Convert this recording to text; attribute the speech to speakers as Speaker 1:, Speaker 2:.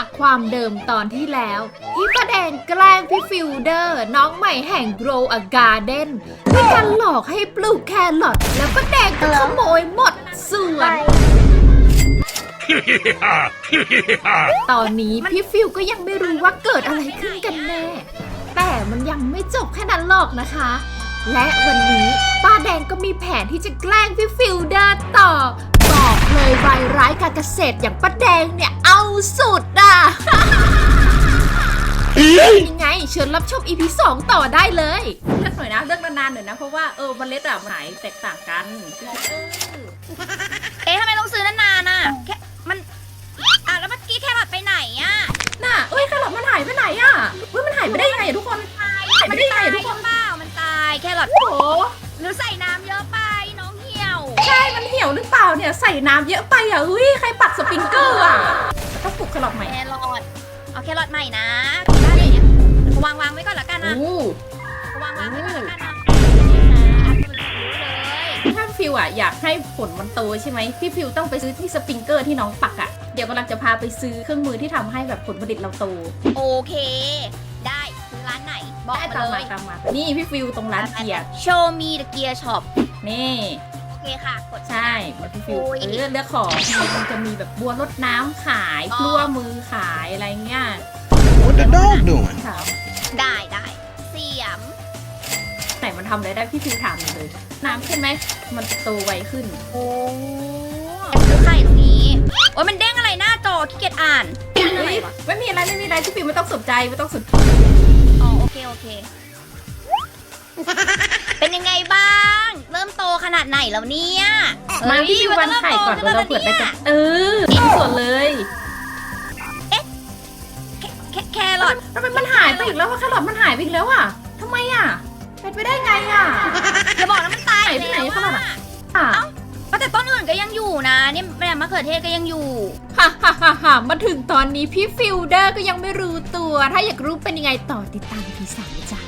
Speaker 1: จากความเดิมตอนที่แล้วที่ป้าแดงแกล้งพี่ฟิลเดอร์น้องใหม่แห่ง Grow a Garden ด้วยการหลอกให้ปลูกแครอทแล้วป้าแดงก็ขโมยหมดสวน ตอนนี้พี่ฟิลก็ยังไม่รู้ว่าเกิดอะไรขึ้นกันแน่แต่มันยังไม่จบแค่นั้นหรอกนะคะ และวันนี้ป้าแดงก็มีแผนที่จะแกล้งพี่ฟิลเดอร์ต่อบอกเลยรายร้ายการเกษตรอย่างป้าแดงเนี่ยเอาสุดอ่ะ ยังไงเชิญรับชม EP 2 ต่อได้เลยเลือกหน่อยนะเลือกนานๆหน่อยนะเพราะว่าเมล็ดอะไหนแตกต่างกัน
Speaker 2: ทำไมต้องซื้อนานๆน่ะแค่มันแล้วเมื่อกี้แครอทไปไหนอ่ะ
Speaker 1: น่ะแครอทมันหายไปไหนอ่ะมันหายไปได้ยังไงอะทุกคนหายไปได้ยังไงอะทุกคน
Speaker 2: เปล่ามันตายแครอท
Speaker 1: โอ้โห
Speaker 2: หรือใส่น้ำเยอะไปน้องเหี่ยว
Speaker 1: ใช่มันเหี่ยวหรือเปล่าเนี่ยใส่น้ำเยอะไปอ่ะเฮ้ยใครปักสปริงเกอร์อ่ะต้องปลูกแครอทใหม่
Speaker 2: แครอทเอาแครอทใหม่นะได้เลยเนี่ยวางไว้ก่อนละกันนะ
Speaker 1: โอ้
Speaker 2: วางไว้ก่อนละกันนะ
Speaker 1: ถ้าฟิวอ่ะอยากให้ผลมันโตใช่ไหมพี่ฟิวต้องไปซื้อที่สปริงเกอร์ที่น้องปักอ่ะเดี๋ยวกำลังจะพาไปซื้อเครื่องมือที่ทำให้แบบผลผลิตเราโต
Speaker 2: โอเคได้ซื้อร้านไหนบอก
Speaker 1: ได้
Speaker 2: มา
Speaker 1: ตาม
Speaker 2: เล
Speaker 1: มาย ตามมานี่พี่ฟิวตรงร้านเกียร์
Speaker 2: โชว์มีเดอะเกียร์ช็อป
Speaker 1: นี่
Speaker 2: โอเคค่ะกด
Speaker 1: ใช่มาพี่ฟิว
Speaker 2: โอ้ย
Speaker 1: เลือกของมันจะมีแบบบัวรดน้ำขายกลัวมือขายอะไรเงี้ย
Speaker 3: What the dog doing?
Speaker 1: ถาม
Speaker 2: ได้เสียม
Speaker 1: ไหนมันทำอะไรได้พี่ฟิวถามเลยน้ำใช่ไหมมันจะโตไวขึ้น
Speaker 2: โอ้ซื้อไข่ตรงนี้โอ้ยมันเด้งอะไรหน้าจอขี้เกียจอ่านอะไรวะ
Speaker 1: ไม่มีอะไรพี่ฟิวไม่ต้องสนใจไม่ต้องสนใจ
Speaker 2: อ๋อโอเค เป็นยังไงบ้าง เริ่มโตขนาดไหนแล้วเนี่ย
Speaker 1: มาพี่ฟิววันไข่ก่อนเดี๋ยวเราเปิดได้กันกินส่วนเลย
Speaker 2: แครอท
Speaker 1: ทำไมมันหายไปอีกแล้วว่าแครอทมันหายไปอีกแล้วอ่ะทำไมอ่ะเป็นไปได้ไงอ่ะ
Speaker 2: อย่าบอกนะมันตาย
Speaker 1: ไหนที่ไหน
Speaker 2: แล้ว
Speaker 1: แครอท
Speaker 2: อะ
Speaker 1: อ่ะ
Speaker 2: แต่ต้นอื่นก็ยังอยู่นะเนี่ยแม่มะเขือเทศก็ยังอยู่
Speaker 1: ฮ่ามาถึงตอนนี้พี่ฟิลเดอร์ก็ยังไม่รู้ตัว ถ้าอยากรู้เป็นยังไงต่อติดตามพี่สามจ้า